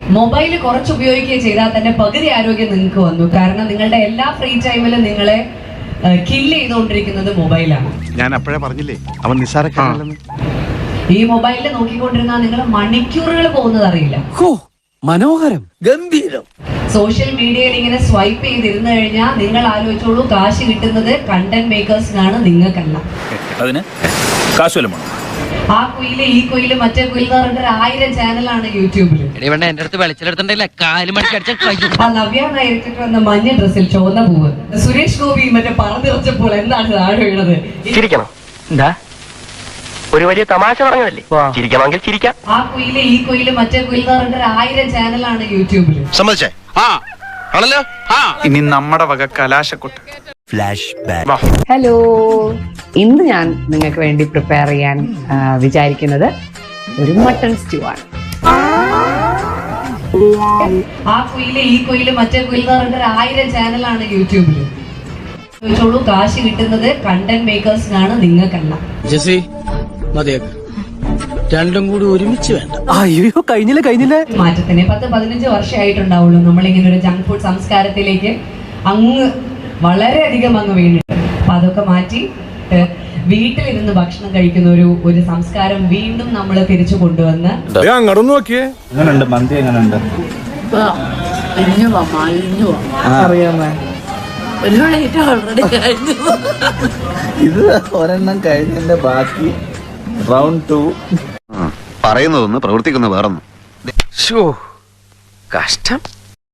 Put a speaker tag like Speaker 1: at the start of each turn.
Speaker 1: Mobile കുറച്ച് ഉപയോഗിക്കുകയും ചെയ്താൽ തന്നെ പകുതി ആരോഗ്യം നിങ്ങൾക്ക് വന്നു. കാരണം നിങ്ങളുടെ എല്ലാ ഫ്രീ ടൈമിലും നിങ്ങളെ കില്ല് ചെയ്തുകൊണ്ടിരിക്കുന്നത് മൊബൈലാണ്.
Speaker 2: ഞാൻ അപ്പോഴേ പറഞ്ഞില്ലേ അവൻ നിസ്സാരക്കാരനല്ലെന്ന്.
Speaker 1: ഈ മൊബൈലിൽ നോക്കിക്കൊണ്ടിരുന്നാൽ നിങ്ങൾ മണിക്കൂറുകൾ പോകുന്നത് അറിയില്ല.
Speaker 3: മനോഹരം, ഗംഭീരം.
Speaker 1: സോഷ്യൽ മീഡിയയിൽ ഇങ്ങനെ സ്വൈപ്പ് ചെയ്തിരുന്നു കഴിഞ്ഞാൽ നിങ്ങൾ ആലോചിച്ചോളൂ, കാശ് കിട്ടുന്നത് കണ്ടന്റ് മേക്കേഴ്സിനാണ്, നിങ്ങൾക്കല്ല.
Speaker 4: അതിന് കാശ്
Speaker 1: ആ കുയില് ഈ കുയില് മറ്റേ കുയില് എന്ന് പറഞ്ഞിട്ട് 1000 ചാനലാണ് യൂട്യൂബില്.
Speaker 5: എന്റെ അടുത്ത് വെളിച്ചെടുത്തിട്ടില്ല, കാല് മണിക്കടിച്ച
Speaker 1: ആ നവ്യ നായിരിച്ചിട്ട് വന്ന മഞ്ഞ ഡ്രസ്സിൽ ചുവന്ന പൂവ്, സുരേഷ് ഗോപി മറ്റേ പറന്നിറച്ചപ്പോൾ എന്താണ് താഴെ വീണത്?
Speaker 6: ചിരിക്കണം. എന്താ ഒരു വലിയ തമാശ പറഞ്ഞതല്ലേ, ചിരിക്കണമെങ്കിൽ ചിരിക്കാം.
Speaker 1: ആ കുയില് ഈ കുയില് മറ്റേ കുയില് എന്ന് പറഞ്ഞിട്ട് 1000 ചാനലാണ് യൂട്യൂബില്.
Speaker 2: സമ്മതിച്ചേ? ആണല്ലോ.
Speaker 3: ഇനി നമ്മുടെ വക കലാശക്കൊട്ട്.
Speaker 7: ഹലോ, ഇന്ന് ഞാൻ നിങ്ങൾക്ക് വേണ്ടി പ്രിപ്പയർ ചെയ്യാൻ വിചാരിക്കുന്നത് ഒരു മട്ടൺ സ്റ്റ്യൂ ആണ്.
Speaker 1: ആ കുയില് ഈ കുയില് മറ്റേ കുയില് എന്ന് പറഞ്ഞിട്ട് 1000 ചാനലാണ് യൂട്യൂബില്. ചോദിച്ചോളൂ, കാശ് കിട്ടുന്നത് കണ്ടന്റ് മേക്കേഴ്സിനാണ്, നിങ്ങൾക്കല്ല.
Speaker 8: രണ്ടും കൂടി ഒരുമിച്ച് വേണ്ട.
Speaker 3: അയ്യോ, കഴിഞ്ഞില്ല.
Speaker 1: മാറ്റത്തിന് 10-15 വർഷമായിട്ടുണ്ടാവുള്ളൂ നമ്മളിങ്ങനെ ഒരു ജങ്ക് ഫുഡ് സംസ്കാരത്തിലേക്ക് വളരെയധികം വീണിട്ട്. അപ്പൊ അതൊക്കെ മാറ്റി വീട്ടിലിരുന്ന് ഭക്ഷണം കഴിക്കുന്ന ഒരു സംസ്കാരം വീണ്ടും നമ്മൾ തിരിച്ചു കൊണ്ടുവന്ന്.
Speaker 2: നോക്കിയേ മന്തി എങ്ങനെയുണ്ട്?
Speaker 8: അറിയാമേ, ഇത് ഒരെണ്ണം കഴിഞ്ഞതിന്റെ ബാക്കി റൗണ്ട് 2.
Speaker 2: പറയുന്നതൊന്ന് പ്രവർത്തിക്കുന്ന വേറൊന്നും.
Speaker 5: കഷ്ടം.